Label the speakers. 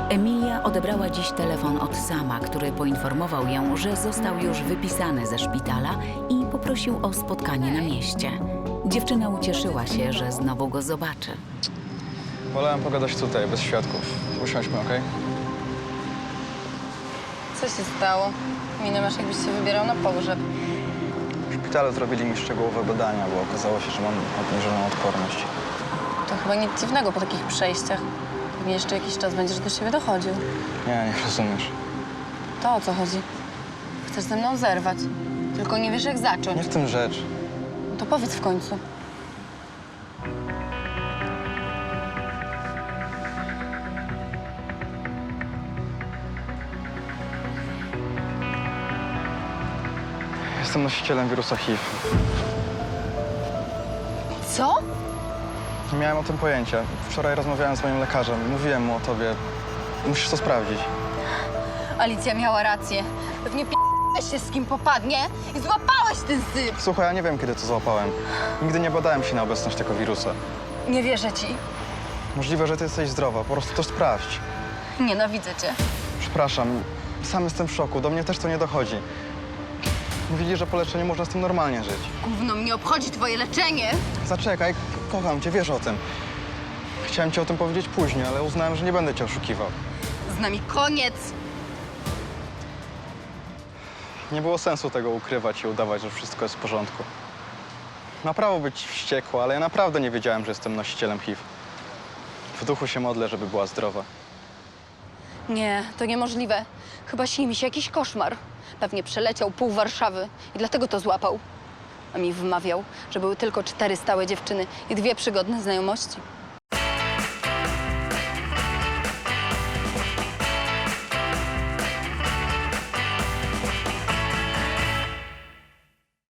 Speaker 1: Emilia odebrała dziś telefon od Sama, który poinformował ją, że został już wypisany ze szpitala i poprosił o spotkanie na mieście. Dziewczyna ucieszyła się, że znowu go zobaczy.
Speaker 2: Wolałem pogadać tutaj, bez świadków. Usiądźmy, okej?
Speaker 3: Co się stało? Minę masz, jakbyś się wybierał na pogrzeb.
Speaker 2: W szpitalu zrobili mi szczegółowe badania, bo okazało się, że mam obniżoną odporność.
Speaker 3: To chyba nic dziwnego po takich przejściach. Pewnie jeszcze jakiś czas będziesz do siebie dochodził.
Speaker 2: Nie rozumiesz.
Speaker 3: To o co chodzi? Chcesz ze mną zerwać. Tylko nie wiesz, jak zacząć.
Speaker 2: Nie w tym rzecz.
Speaker 3: No to powiedz w końcu.
Speaker 2: Jestem nosicielem wirusa HIV.
Speaker 3: Co?
Speaker 2: Nie miałem o tym pojęcia. Wczoraj rozmawiałem z moim lekarzem. Mówiłem mu o tobie. Musisz to sprawdzić.
Speaker 3: Alicja miała rację. Pewnie p***ałeś się z kim popadnie i złapałeś ten syp.
Speaker 2: Słuchaj, ja nie wiem, kiedy to złapałem. Nigdy nie badałem się na obecność tego wirusa.
Speaker 3: Nie wierzę ci.
Speaker 2: Możliwe, że ty jesteś zdrowa. Po prostu to sprawdź.
Speaker 3: Nienawidzę cię.
Speaker 2: Przepraszam, sam jestem w szoku. Do mnie też to nie dochodzi. Mówili, że po leczeniu można z tym normalnie żyć.
Speaker 3: Gówno mnie obchodzi twoje leczenie.
Speaker 2: Zaczekaj, kocham cię, wiesz o tym. Chciałem ci o tym powiedzieć później, ale uznałem, że nie będę cię oszukiwał.
Speaker 3: Z nami koniec.
Speaker 2: Nie było sensu tego ukrywać i udawać, że wszystko jest w porządku. Ma prawo być wściekła, ale ja naprawdę nie wiedziałem, że jestem nosicielem HIV. W duchu się modlę, żeby była zdrowa.
Speaker 3: Nie, to niemożliwe. Chyba śni mi się jakiś koszmar. Pewnie przeleciał pół Warszawy i dlatego to złapał. A mi wmawiał, że były tylko 4 stałe dziewczyny i 2 przygodne znajomości.